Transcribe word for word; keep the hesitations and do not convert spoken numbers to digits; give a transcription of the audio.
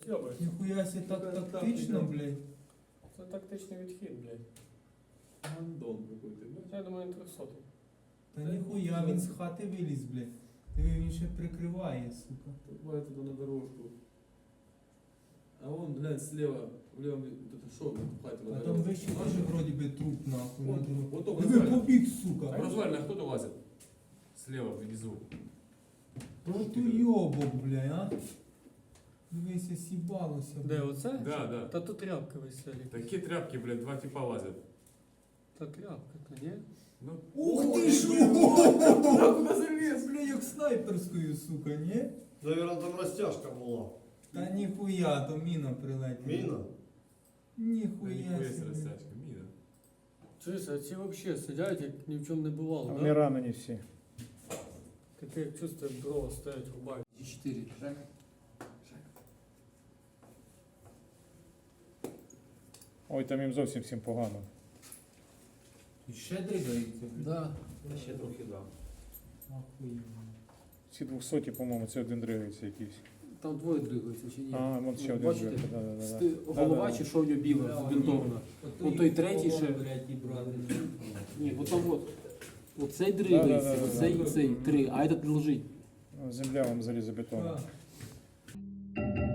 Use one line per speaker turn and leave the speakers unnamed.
Скьобається.
Ніхуя себе так тактично, блядь.
Це тактичний відхід, блядь.
Гандон какой-то, блядь.
Я думаю, трьохсотий.
Та ніхуя, він з хати виліз, блядь. Диви, він ще прикриває, сука.
Давай туда на дорожку. А вон, глянь, слева, в левом, вот это шо, хватит
А
на
там
дорожку.
вище теж вроді би труп, нахуй, на
Вот,
дорогу.
вот только
Диви,
развалина.
побіг, сука.
Развалина, кто-то лазит. Слева, внизу.
Протуйобок, блядь, а. Дивися, сібалося,
Де,
блядь.
оце?
Да, да.
Та тут тряпка веселі.
Такие тряпки, блядь, два типа лазят.
Та тряпка, то ні?
Ну,
Ух ти ж!
куда залез?
Бля, як снайперською, сука, ні?
Наверное, там розтяжка була.
Та ніхуя, то міна прилетіла.
Міна?
Да
Ніхуя
нихуя себе
собі.
растяжка, мина.
Чуєш, а ці взагалі сидять, як ні в чому не бувало,
Вони
да?
ранені всі.
Таке як чувство, як дрова стоять, рубають.
четыре. Жак.
Ой, там їм зовсім всім погано.
І ще дригається, блядь.
Да.
Ще трохи да.
Ахуєнно.
Ці двохсоті, по-моєму, це один дригається якийсь.
Там двоє дригається чи ні?
А, вон ще
Ну,
один
бачите?
дригається. Да, да, да,
Сти-
да.
Голова
Да, да,
чи що в нього біле, збінтована? Ну, той третій ще.
Блядь, і брати.
Ні, от там от. Оцей
Да,
дригається,
да, да,
оцей
да.
і цей, три, а этот лежить.
да. Земля вам залізобетонна.
Так.